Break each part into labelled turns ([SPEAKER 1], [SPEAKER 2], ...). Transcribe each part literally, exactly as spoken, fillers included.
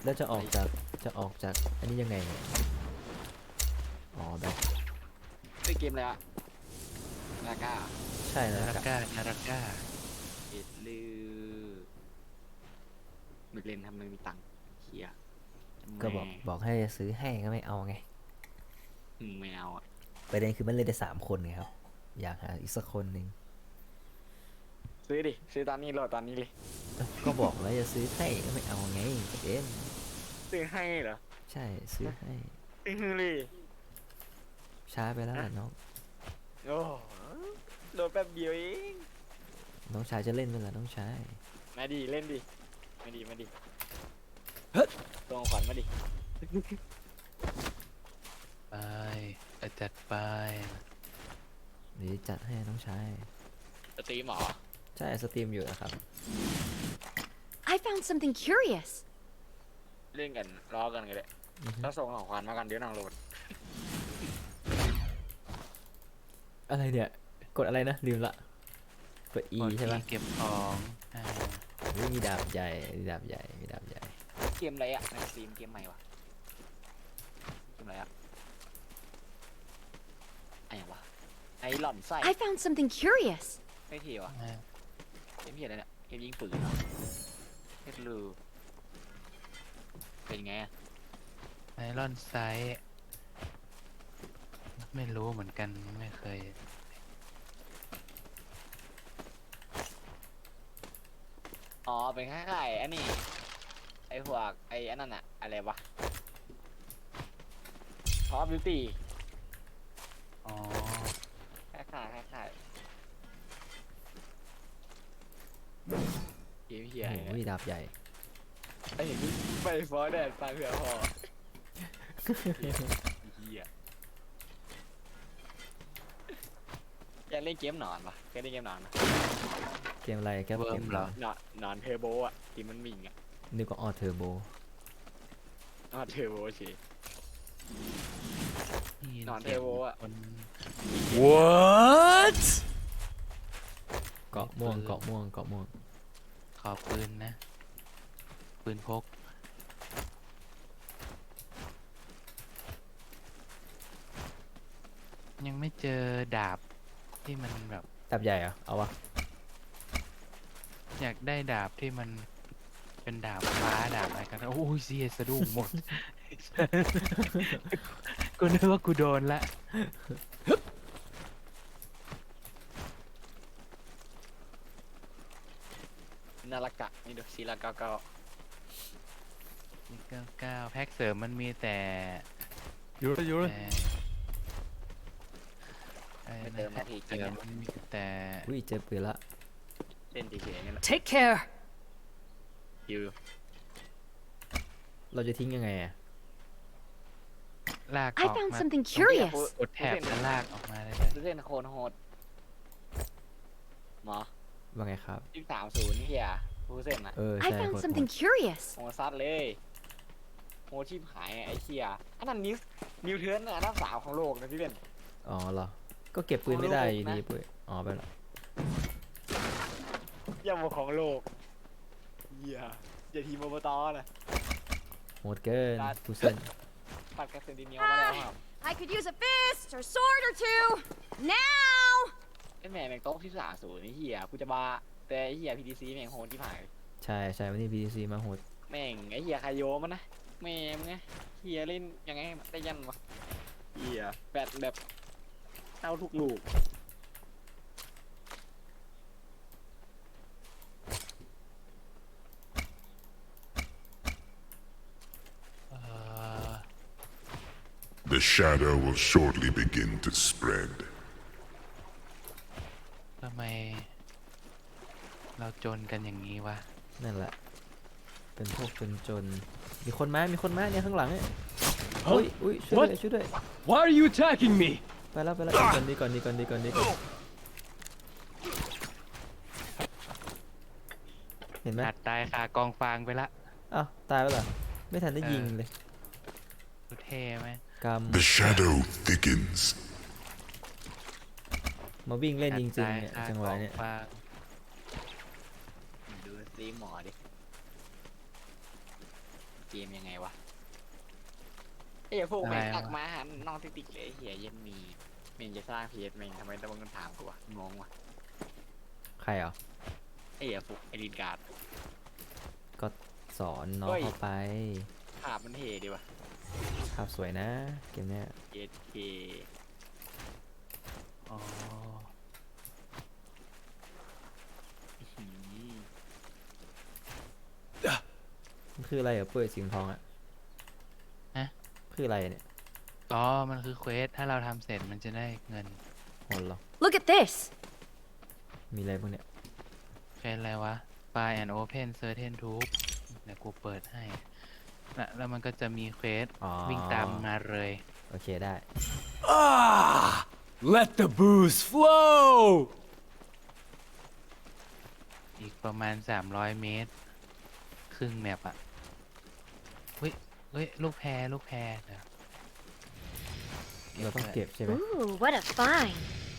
[SPEAKER 1] แล้วจะออกจากจะออกจากอันนี้ยังไงเนี่ยอ๋อแบบ
[SPEAKER 2] เล่นเกมอะไรอะลาก้า
[SPEAKER 1] ใช่แล้ว
[SPEAKER 3] นาราก้านาราก้า
[SPEAKER 2] เอ็ดลือไม่เล่นทำไมมีตังค์เฮีย
[SPEAKER 1] ก็บอกบอกให้ซื้อให้ก็ไม่เอาไง
[SPEAKER 2] อืมไม่เอาอ่ะ
[SPEAKER 1] ประเด็นคือมันเล่นได้สามคนไงครับอยากหาอีกสักคนหนึ่ง
[SPEAKER 2] ซื้อดิซื้อตอนนี้โหลดตอนนี้เลย
[SPEAKER 1] เอ้าก็บอกแล้วจะซื้อให้ก็ไม่เอาไงประเด็น
[SPEAKER 2] ซื้อให้เหรอ
[SPEAKER 1] ใช่ซื้อให้
[SPEAKER 2] ซื้อเลย
[SPEAKER 1] ช้าไปแล้วแหละน้อง
[SPEAKER 2] โอ้โหลดแป๊บเดียวเอง
[SPEAKER 1] น้องชายจะเล่นเวลาน้องชาย
[SPEAKER 2] มาดิเล่นดิมาดิมาดิตัวของขวัญมาดิ
[SPEAKER 3] ไปเอาจัดไป
[SPEAKER 1] เดี๋ยวจัดให้น้องชาย
[SPEAKER 2] สตรีมเหรอ
[SPEAKER 1] ใช่สตรีมอยู่นะครับ
[SPEAKER 4] I found something curious.
[SPEAKER 2] เล่นกันรอกันกันเลย
[SPEAKER 1] อือฮึ
[SPEAKER 2] แล้วส่งของขวัญมากันเดี๋ยวนางโหลด
[SPEAKER 1] อะไรเนี่ยกดอะไรนะลืมละกด E
[SPEAKER 3] กด
[SPEAKER 1] ใช่ปะ
[SPEAKER 3] เก็บของอ่า
[SPEAKER 1] เฮ้ยมีดาบใหญ่มีดาบใหญ่มีดาบใหญ่
[SPEAKER 2] เกมอะไรอะในสตรีมเกมใหม่วะเกมอะไรอะไอ้ยังวะไอหล่อนไส้
[SPEAKER 4] I found something curious.
[SPEAKER 2] ไม่เทีวะ
[SPEAKER 3] อ่า
[SPEAKER 2] เกมเหียอะไรเนี่ยเกมยิงปืนเหรอเฮ็ดลูเป็นไงอะ
[SPEAKER 3] ไอรอนไซส์ไม่รู้เหมือนกันไม่เคย
[SPEAKER 2] อ๋อเป็นคล้ายๆอันนี้ไอพวกไออันนั้นอะอะไรวะคอฟบิวตี้
[SPEAKER 3] อ๋อ
[SPEAKER 2] คล้ายๆคล้ายๆเกมเหีย
[SPEAKER 1] โอ้
[SPEAKER 2] อะไร
[SPEAKER 1] โหมี
[SPEAKER 2] เนี่ย
[SPEAKER 1] ดาบใหญ่
[SPEAKER 2] ไอเห็นนี่ไปฟอร์แดดฟังเผื่อพอเฮียอยากเล่นเกมหนอนปะเคยเล่นเกมหนอนปะ
[SPEAKER 1] เกมอะไรแก
[SPEAKER 3] เวิ
[SPEAKER 1] เก
[SPEAKER 3] ร์
[SPEAKER 1] ม
[SPEAKER 3] มเหรอ
[SPEAKER 2] หนอนหนอนเทอร์โบอะที่มันวิ่งอะ
[SPEAKER 1] นึกว่าออเทอร์โบ
[SPEAKER 2] หนอนเทอร์โบสิ
[SPEAKER 3] นี่
[SPEAKER 2] นอน
[SPEAKER 3] สียง
[SPEAKER 2] เทโวอะ
[SPEAKER 3] คน
[SPEAKER 1] What เกาะม่วงเกาะม่วงเกาะม่วง
[SPEAKER 3] ขอปืนนะ ปืนพก ยังไม่เจอดาบที่มันแบบ
[SPEAKER 1] ดาบใหญ่เหรอเอาวะ
[SPEAKER 3] อยากได้ดาบที่มันเป็นดาบฟ้าดาบอะไรกันโอ้ยเสียสะดุ้งหมด กูนึกว่ากูโดนละ
[SPEAKER 2] นาฬกะนี่ดูศิลาเก้าเก้า
[SPEAKER 3] มีเก้าเก้าแพ็กเสริมมันมีแต่
[SPEAKER 1] อยู่เลยอยู่เลย
[SPEAKER 3] แต่ไอ้
[SPEAKER 2] ไม่
[SPEAKER 3] นะ
[SPEAKER 2] เติม
[SPEAKER 3] แพ็
[SPEAKER 2] มาก ที
[SPEAKER 3] เส
[SPEAKER 2] กิน
[SPEAKER 3] ริม
[SPEAKER 2] เนี่ย
[SPEAKER 3] มันมีแต่
[SPEAKER 1] อุ้ยเจอปืนละ
[SPEAKER 2] เล่นทีเฉยๆนี่แหละ
[SPEAKER 4] Take care.
[SPEAKER 2] คิว
[SPEAKER 1] เราจะทิ้งยังไงอะ
[SPEAKER 3] ลากอ
[SPEAKER 4] I
[SPEAKER 3] อก
[SPEAKER 4] found
[SPEAKER 3] มา
[SPEAKER 4] something curious.
[SPEAKER 3] กดแถบแล้วลากออกมาได้เลย
[SPEAKER 2] เล่นโคนโหดหมอ
[SPEAKER 1] ว่าไงครับ
[SPEAKER 2] ยี่สามศูนย์นี่เฮียฟูเซนอะ
[SPEAKER 1] เออ
[SPEAKER 4] I
[SPEAKER 1] ใช่
[SPEAKER 4] found
[SPEAKER 1] โหด
[SPEAKER 4] something curious.
[SPEAKER 2] โหซัดเลยโหชีพหายไอ้เฮียอันนั้นนิวนิวเทิร์นอันดับสามของโลกนะพี่เบน
[SPEAKER 1] อ๋อเหรอก็เก็บปืนไม่ได้อยู่ดี
[SPEAKER 2] ของโลกนะ
[SPEAKER 1] ปุ้ยอ๋อไปละ
[SPEAKER 2] ย่ำของโลกเฮียอย่าทีมอบตนะ
[SPEAKER 1] โหดเกิน
[SPEAKER 2] ได้
[SPEAKER 1] ฟูเซน
[SPEAKER 2] ปัดกระสุนดินเหนียวมาแล้วครับ
[SPEAKER 4] I could use a fist or sword or two. Now.
[SPEAKER 2] ไอ้แม่แม่งโต๊ะที่สามศูนย์นี่เฮียกูจะบ้าแต่ไอ้เฮียพีดีซีแม่งโหดที่ผ่าน
[SPEAKER 1] ใช่ใช่วันนี้ บี ที ซี มาโหด
[SPEAKER 2] แม่งไอ้เฮียคายโยมันนะแม่มึงไงเฮียเล่นยังไงได้ยันวะเฮียแบบแบบเข้าทุกลูก
[SPEAKER 3] เอ่อ
[SPEAKER 5] The shadow will shortly begin to spread.
[SPEAKER 3] ทำไม เราจนกันอย่างนี้วะ
[SPEAKER 1] นั่นแหละ เป็นพวกคนจน มีคนมามีคนมาเนี่ยข้างหลังเนี่ยอุ้ยอุ้ยช่วยด้วยช่วยด้วย
[SPEAKER 6] Why are you attacking me?
[SPEAKER 1] ไปแล้วไปแล้วก่อนดีก่อนดีก่อนดีก่อนดีก่อนเห็นไหม
[SPEAKER 3] อัดตายคากองฟางไปละ
[SPEAKER 1] อ้าวตายแล้วเหรอไม่ทันได้ยิงเลย
[SPEAKER 3] ดูเท่ไหม
[SPEAKER 1] ก
[SPEAKER 5] The shadow thickens.
[SPEAKER 1] ำมาวิ่งเล่นจริงๆเนี่ย
[SPEAKER 3] อัดตายคา
[SPEAKER 1] จังหวะเนี่ย
[SPEAKER 3] กองฟาง
[SPEAKER 2] ดูสตรีมหมอดิเกมยังไงวะไอ้พวกแม่งตักมาหันน้องติ๊กติ๊กเลยเฮียเย็นมีเมงจะสร้างเพจเมงทำไมต้องมาถามกูวะงงวะ
[SPEAKER 1] ใครเหรอ
[SPEAKER 2] ไอ้เหี้ยพวกไอรินการ์ด
[SPEAKER 1] ก็สอนน้อง
[SPEAKER 2] เฮ้ย
[SPEAKER 1] เข้าไป
[SPEAKER 2] ภาพมันเท่ดีวะ
[SPEAKER 1] ภาพสวยนะเกมเนี้ย
[SPEAKER 2] เอเค
[SPEAKER 3] อ๋อ
[SPEAKER 1] มันคืออะไรเหรอเปื่อยสีทองอะ
[SPEAKER 3] ฮะ
[SPEAKER 1] คืออะไรเนี่ย
[SPEAKER 3] อ๋อมันคือเควสถ้าเราทำเสร็จมันจะได้เงิน
[SPEAKER 1] โหดเหรอ
[SPEAKER 4] Look at this.
[SPEAKER 1] มีอะไรบ้างเนี่ย
[SPEAKER 3] เควสอะไรวะ Find and Open Certain Tube เดี๋ยวกูเปิดให้นะแล้วมันก็จะมีเควส
[SPEAKER 1] อ๋อ
[SPEAKER 3] วิ่งตามมาเลย
[SPEAKER 1] โอเคได้
[SPEAKER 6] Ah! Let the booze flow!
[SPEAKER 3] อีกประมาณสามร้อยเมตร ครึ่งแมปอ่ะเฮ้ยเฮ้ย ลูกแพรลูกแพรเดี๋ยว
[SPEAKER 1] เราต้องเก็บใช่ไหม
[SPEAKER 4] Ooh, what a find.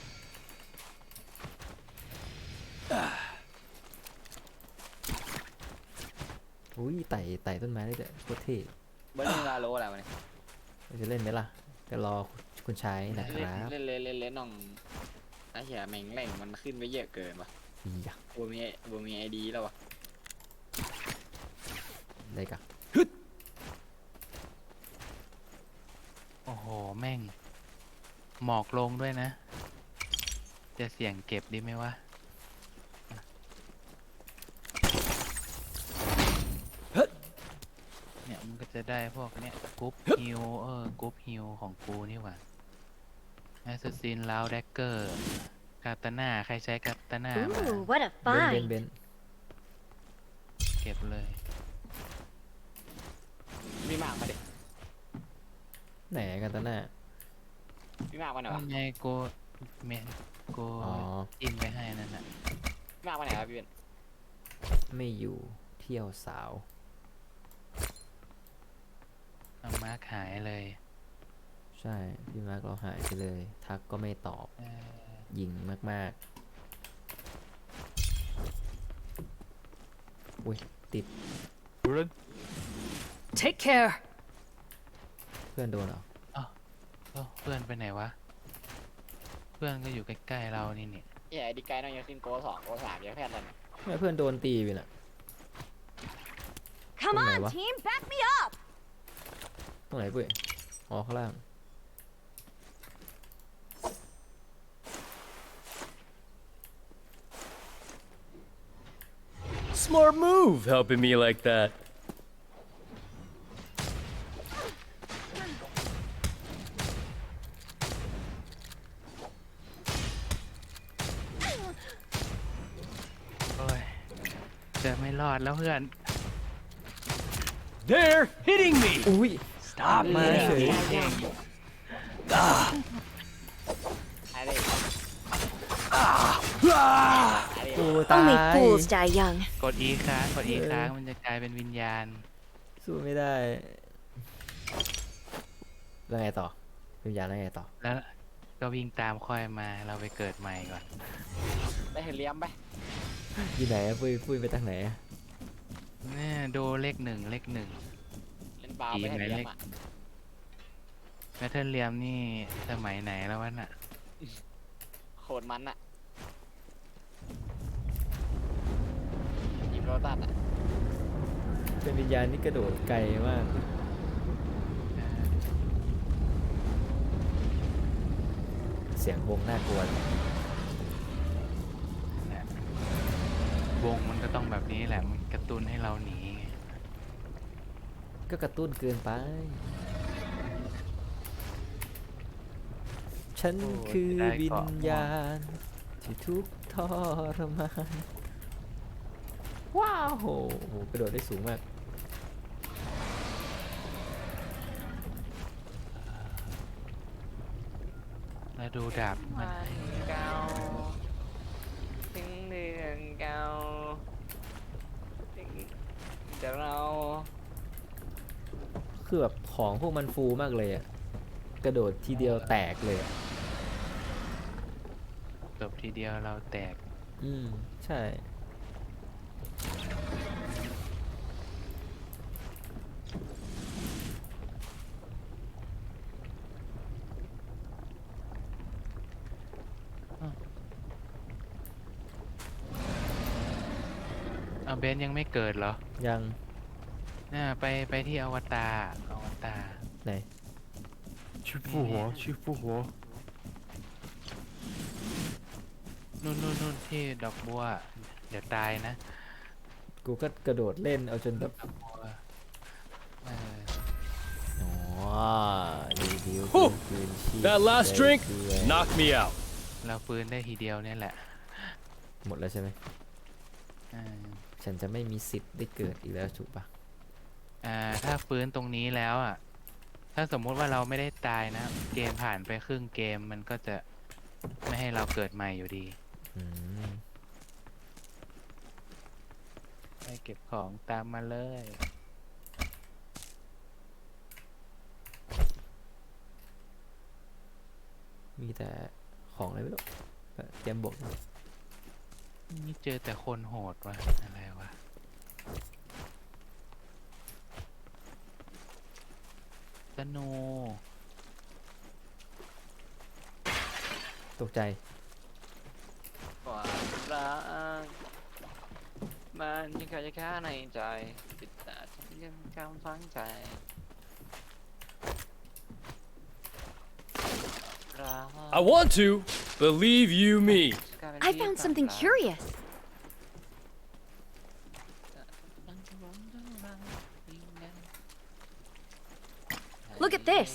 [SPEAKER 1] อุ้ยไต่ไต่ต้นไม้ได้ด้วยโคตรเท่
[SPEAKER 2] เบอร์นี่ลาโลอะไรวะเนี่ย
[SPEAKER 1] เราจะเล่นไหมล่ะก็รอคุณชายนะค
[SPEAKER 2] เล่น
[SPEAKER 1] รับ
[SPEAKER 2] เล่นเล่นเล่นเล่นน้องไอ้เหี้ยแม่งแหล่งมันขึ้นไปเยอะเกินวะ
[SPEAKER 1] อีหยะ
[SPEAKER 2] บัวมีบัวมีไอดีแล้ววะ
[SPEAKER 1] ได้กะ
[SPEAKER 3] โอ้โห แม่ง หมอกลงด้วยนะ จะเสี่ยงเก็บดีไหมวะ เนี่ยมันก็จะได้พวกเนี้ยกรุ๊ปฮิลเออกรุ๊ปฮิลของกูนี่หว่าแอสซัสซินลาวแดกเกอร์คาตาน่าใครใช้คาตาน่ามา
[SPEAKER 4] Ooh, what a
[SPEAKER 1] เบนเบน
[SPEAKER 4] find.
[SPEAKER 1] เบน
[SPEAKER 3] เก็บเลย
[SPEAKER 2] มีหมากมาดิ
[SPEAKER 1] ไหนกันตาหน้า
[SPEAKER 2] มีหมากมาไหนวะ
[SPEAKER 3] ทำไงกูเมนกู
[SPEAKER 1] อ๋อ
[SPEAKER 3] อินไปให้นั่นน่ะ
[SPEAKER 2] มีหมากมาไหนวะพี่เบน
[SPEAKER 1] ไม่อยู่เที่ยวสาว
[SPEAKER 3] เอามาขายเลย
[SPEAKER 1] ใช่พี่มาร์กเราหายไปเลย ทักก็ไม่ตอบ
[SPEAKER 3] เออ
[SPEAKER 1] ยิงมากๆอุ้ยติด
[SPEAKER 4] Take care.
[SPEAKER 1] เพื่อนโดนเหรอ
[SPEAKER 3] เอ้าเพื่อนไปไหนวะ เพื่อนก็อยู่ใกล้ๆเรานี่เนี่ย
[SPEAKER 2] เหี้ยไอดีไกด์น้องยังขึ้นโกสองโกสามยังแพทย์แล้วเนี่ย
[SPEAKER 1] ทำไมเพื่อนโดนตีไปน่ะ
[SPEAKER 4] Come
[SPEAKER 1] Tụi này
[SPEAKER 4] on,
[SPEAKER 1] quá.
[SPEAKER 4] team, back me up.
[SPEAKER 1] ตรงไหนเปื่อยอ๋อข้างล่าง
[SPEAKER 6] Smart move helping me like that.
[SPEAKER 3] โอ้ยจะไม่รอดแล้วเพื่อน
[SPEAKER 6] They're hitting me!
[SPEAKER 1] อุ้ย
[SPEAKER 6] Stop
[SPEAKER 1] มาเฉย
[SPEAKER 2] ไอ้เด็ก
[SPEAKER 6] Ah!
[SPEAKER 1] โอ้ตาย
[SPEAKER 4] Only fools die young.
[SPEAKER 3] กด E ค้างกด E ค้างมันจะกลายเป็นวิญญาณ
[SPEAKER 1] สู้ไม่ได้ แล้วไงต่อวิญญาณแล้วไงต่อ
[SPEAKER 3] แล้วก็วิ่งตามค่อยมาเราไปเกิดใหม่ก่อน
[SPEAKER 2] ได้เห็นเลี้ยมไป
[SPEAKER 1] อยู่ไหนอะปุ้ยปุ้ยไปทางไหนอะ
[SPEAKER 3] เนี่ยดูเลขหนึ่งเลขหนึ่ง
[SPEAKER 2] เล่นบาร์ไปเห็นเลี้ยมอ่ะ
[SPEAKER 3] แมทเทิลเลียมนี่สมัยไหนแล้ววะน่ะ
[SPEAKER 2] โคตรมันอ่ะยิมโรตัสอ่ะ
[SPEAKER 1] เป็นวิญญาณที่กระโดดไกลมาก เสียงวงน่ากลัว
[SPEAKER 3] เนี่ยวงมันก็ต้องแบบนี้แหละ มันกระตุ้นให้เราหนีไง
[SPEAKER 1] ก็กระตุ้นเกินไป ฉันคือวิญญาณ ที่ทุกข์ทรมาน ว้าวโหโหกระโดดได้สูงมาก
[SPEAKER 3] แล้วดูดาบมัน
[SPEAKER 2] วันเก่าถึงเรื่องเก่าถึงจะเรา
[SPEAKER 1] คือแบบของพวกมันฟูมากเลยอะกระโดดทีเดียวแตกเลยอะ
[SPEAKER 3] จบทีเดียวเราแตก
[SPEAKER 1] อืม ใช่
[SPEAKER 3] เบนยังไม่เกิดเหรอ
[SPEAKER 1] ยัง
[SPEAKER 3] น่าไปไปที่อวตารอวตาร
[SPEAKER 1] ไหน
[SPEAKER 6] 去复活，去复活。
[SPEAKER 3] นู่นนู่นนู่นที่ดอกบัว เดี๋ยวตายนะ
[SPEAKER 1] กูก็กระโดดเล่นเอาจนแบบ
[SPEAKER 3] ดอกบัวเออ
[SPEAKER 1] อ๋อดีดีล
[SPEAKER 6] Whew
[SPEAKER 1] คืนชีพ
[SPEAKER 6] That last
[SPEAKER 1] ได้
[SPEAKER 6] drink
[SPEAKER 1] เกลือ
[SPEAKER 6] knocked me out.
[SPEAKER 3] เราฟื้นได้ทีเดียวเนี่ยแหละ
[SPEAKER 1] หมดแล้วใช่ไหม
[SPEAKER 3] เออ
[SPEAKER 1] ฉันจะไม่มีสิทธิ์ได้เกิดอีกแล้วถูกปะ
[SPEAKER 3] อ่าถ้าฟื้นตรงนี้แล้วอ่ะ ถ้าสมมุติว่าเราไม่ได้ตายนะ เกมผ่านไปครึ่งเกมมันก็จะไม่ให้เราเกิดใหม่อยู่ดี
[SPEAKER 1] อืม
[SPEAKER 3] ไปเก็บของตามมาเลย
[SPEAKER 1] มีแต่ของอะไรไม่รู้แบบเตรียมบวก
[SPEAKER 3] นี่เจอแต่คนโหดวะอะไรวะ สโนว์
[SPEAKER 1] ตกใจ
[SPEAKER 2] ความรักมันยังคาจะค้าในใจติดตาฉันยังกำฟังใจรัก
[SPEAKER 6] I want to, believe you me.
[SPEAKER 4] I found something curious. Look at this.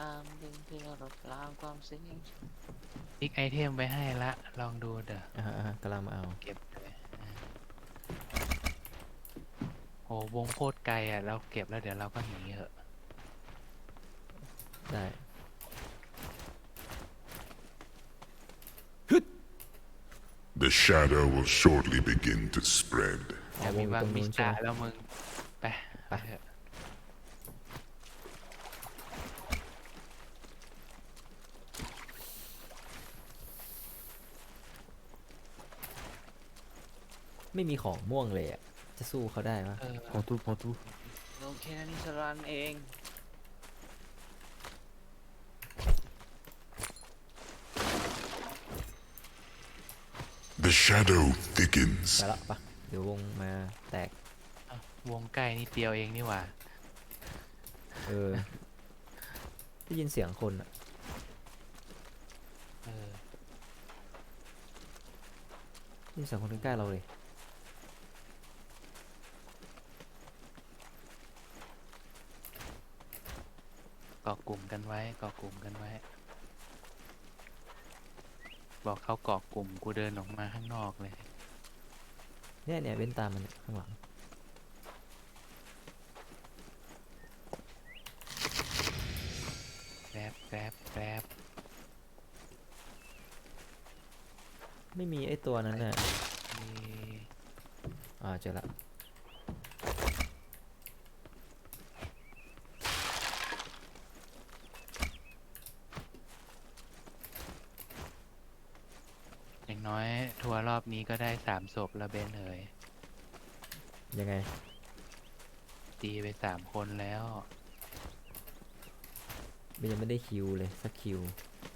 [SPEAKER 3] อีกไอเทมไปให้ละ ลองดูเด้อ
[SPEAKER 1] อ่าฮะอ่าฮะกำลังมาเอา
[SPEAKER 3] เก็บเลยอ่ะโหวงโคตรไกลอ่ะ เราเก็บแล้วเดี๋ยวเราก็หนีเหอะ
[SPEAKER 1] ได้
[SPEAKER 5] The shadow will shortly begin to spread.
[SPEAKER 3] อยากมีบางมิสตาแล้วมึง ไปไปเถอะ
[SPEAKER 1] ไม่มีของม่วงเลยอ่ะ จะสู้เขาได้ปะ
[SPEAKER 3] เออ
[SPEAKER 6] 跑图跑图，
[SPEAKER 2] โอเคนี่สรันเอง
[SPEAKER 5] The shadow thickens.
[SPEAKER 1] ไปละปะเดี๋ยววงมาแตก
[SPEAKER 3] อ่ะวงใกล้นิดเดียวเองนี่หว่า
[SPEAKER 1] เออ ได้ยินเสียงคนอ่ะ
[SPEAKER 3] เออ
[SPEAKER 1] ได้ยินเสียงคนใกล้ๆเราเลย
[SPEAKER 3] เกาะกลุ่มกันไว้เกาะกลุ่มกันไว้ บอกเขาเกาะกลุ่มกูเดินออกมาข้างนอกเลย
[SPEAKER 1] เนี่ยเนี่ยเว้นตามมันเนี่ยข้างหลัง
[SPEAKER 3] แกรบแกรบแกรบ
[SPEAKER 1] ไม่มีไอ้ตัวนั้นน่ะ
[SPEAKER 3] มี
[SPEAKER 1] อ่าเจอละ
[SPEAKER 3] อย่างน้อยทัวร์รอบนี้ก็ได้สามศพแล้วเบนเอ๋ย
[SPEAKER 1] ยังไง
[SPEAKER 3] ตีไปสามคนแล้ว
[SPEAKER 1] มันยังไม่ได้คิวเลยสักคิว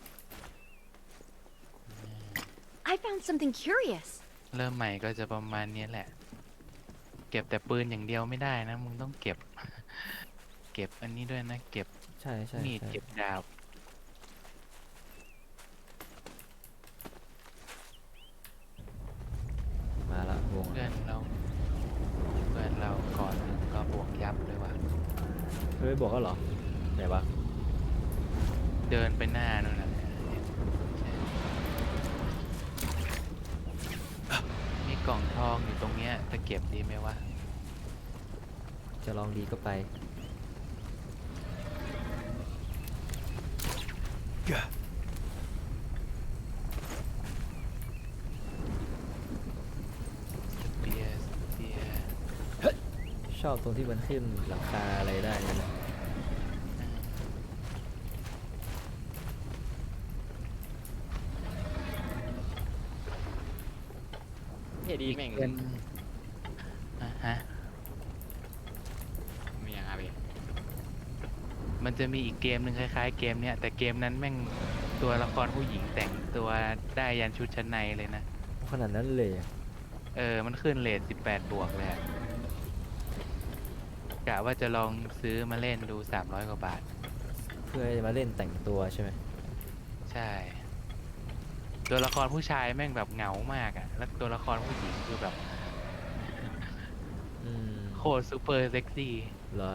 [SPEAKER 4] I found something curious.
[SPEAKER 3] เริ่มใหม่ก็จะประมาณนี้แหละ เก็บแต่ปืนอย่างเดียวไม่ได้นะ มึงต้องเก็บ เก็บอันนี้ด้วยนะ เก็บ
[SPEAKER 1] ใช่ใช่
[SPEAKER 3] มีด
[SPEAKER 1] ใช่
[SPEAKER 3] เก็บดาบ
[SPEAKER 1] มาละวง
[SPEAKER 3] เพื่อนเรา เพื่อนเราก่อนหนึ่งก็บวกยับเลยว่ะ
[SPEAKER 1] เฮ้ยบอกแล้วเหรอไหนวะ
[SPEAKER 3] เดินไปหน้านู่นน่ะมีกล่องทองอยู่ตรงเนี้ยจะเก็บดีไหมวะ
[SPEAKER 1] จะลองดีก็ไป
[SPEAKER 3] เบียร์เบียร์
[SPEAKER 1] ชอบตรงที่มันขึ้นหลังคาอะไรได้นั่นนะ
[SPEAKER 2] เฮียดีแม่ง
[SPEAKER 3] เป็นอ่ะฮะ
[SPEAKER 2] มีอย่างไร
[SPEAKER 3] มันจะมีอีกเกมหนึ่งคล้ายๆเกมเนี้ยแต่เกมนั้นแม่งตัวละครผู้หญิงแต่งตัวได้ยันชุดชั้นในเลยนะ
[SPEAKER 1] ขนาดนั้นเลยอะ
[SPEAKER 3] เออ มันขึ้นเรทสิบแปดบวกเลยอะกะว่าจะลองซื้อมาเล่นดูสามร้อยกว่าบาท
[SPEAKER 1] เพื่อจะมาเล่นแต่งตัวใช่ไหม
[SPEAKER 3] ใช่ ตัวละครผู้ชายแม่งแบบเหงามากอะแล้วตัวละครผู้หญิงคือแบบ
[SPEAKER 1] อืม
[SPEAKER 3] โคตรซูเปอร์เซ็กซี่
[SPEAKER 1] เหรอ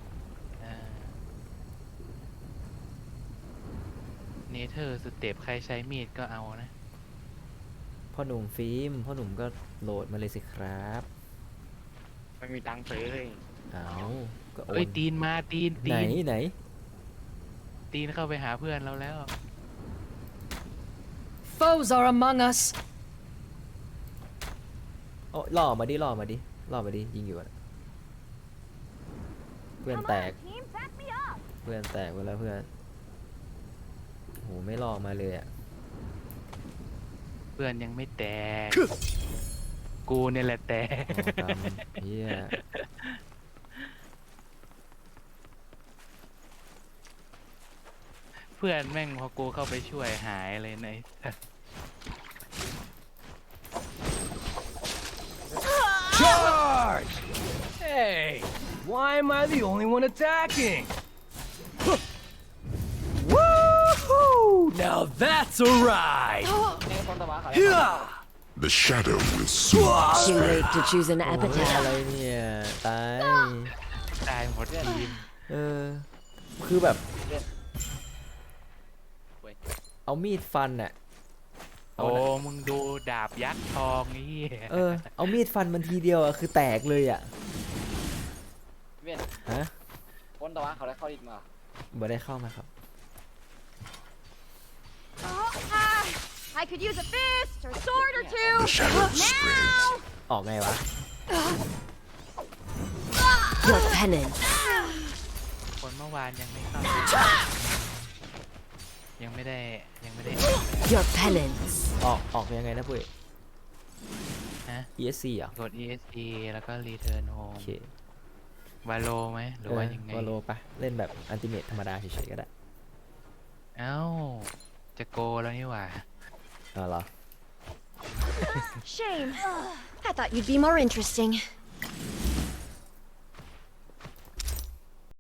[SPEAKER 3] เนเธอร์สเต็ปใครใช้มีดก็เอานะ
[SPEAKER 1] พ่อหนุ่มฟิล์มพ่อหนุ่มก็โหลดมาเลยสิครับ
[SPEAKER 2] ไม่มีตังค์ซื้อเลย
[SPEAKER 1] เอาก็โอ
[SPEAKER 3] เอ้ย
[SPEAKER 1] น
[SPEAKER 3] ตีนมาตีนตี
[SPEAKER 1] ไหน
[SPEAKER 3] น
[SPEAKER 1] ไหน
[SPEAKER 3] ตีนเข้าไปหาเพื่อนเราแล้ว
[SPEAKER 7] Foes are among us.
[SPEAKER 1] โอ้ล่อมาดิล่อมาดิล่อมาดิยิงอยู่อะเพื่อน
[SPEAKER 4] Come
[SPEAKER 1] แต
[SPEAKER 4] on,
[SPEAKER 1] ก
[SPEAKER 4] team, back me up.
[SPEAKER 1] เพื่อนแตกไปแล้วเพื่อนโหไม่ล่อมาเลยอ่ะ
[SPEAKER 3] เพื่อนยังไม่แตก กูเนี่ยแหละแตก
[SPEAKER 1] โอ้กรรมเฮีย
[SPEAKER 3] เพื่อนแม่งพอกูเข้าไปช่วยหายเลยใน
[SPEAKER 6] Charge! Hey, why am I the only one attacking? Woohoo! Now that's a ride!
[SPEAKER 2] เนี่ยต้นตะวันเขาแล้ว
[SPEAKER 6] Yeah!
[SPEAKER 5] The shadow will soon
[SPEAKER 7] Too
[SPEAKER 5] spread.
[SPEAKER 7] late to choose an
[SPEAKER 1] โอ้ย
[SPEAKER 7] epitaph.
[SPEAKER 1] อะไรเนี่ยตาย
[SPEAKER 3] ตายหมดทีม
[SPEAKER 1] เออคือแบบ
[SPEAKER 2] เว้ย
[SPEAKER 1] เอามีดฟันอ่ะ
[SPEAKER 3] โอ้มึงดูดาบยักษ์ทองนี่
[SPEAKER 1] เออเอามีดฟันมันทีเดียวอ่ะคือแตกเลยอ่ะ
[SPEAKER 2] เว้ย
[SPEAKER 1] ฮะ
[SPEAKER 2] ต้นตะวันเขาแล้วเข้าอีกมา
[SPEAKER 1] บ่ได้เข้ามาครับ
[SPEAKER 4] Oh, ah, I could use a fist or sword or two.
[SPEAKER 5] The shadow spreads.
[SPEAKER 1] ออกไงวะ
[SPEAKER 7] Your penance.
[SPEAKER 3] คนเมื่อวานยังไม่เข้า ยังไม่ได้ยังไม่ได้
[SPEAKER 7] Your penance.
[SPEAKER 1] ออกออกยังไงนะปุ้ย
[SPEAKER 3] ฮะ
[SPEAKER 1] อี เอส ซี เหรอก
[SPEAKER 3] ด อี เอส อี แล้วก็ Return
[SPEAKER 1] โอ
[SPEAKER 3] Home
[SPEAKER 1] เค
[SPEAKER 3] วาโลไหมหรือว่ายังไง
[SPEAKER 1] วอลโลปะเล่นแบบอันติเมทธรรมดาเฉยๆก็ได้
[SPEAKER 3] เอ้า จะโกแล้วนี่หว่า
[SPEAKER 1] เอาเหรอ
[SPEAKER 4] Shame. I thought you'd be more interesting.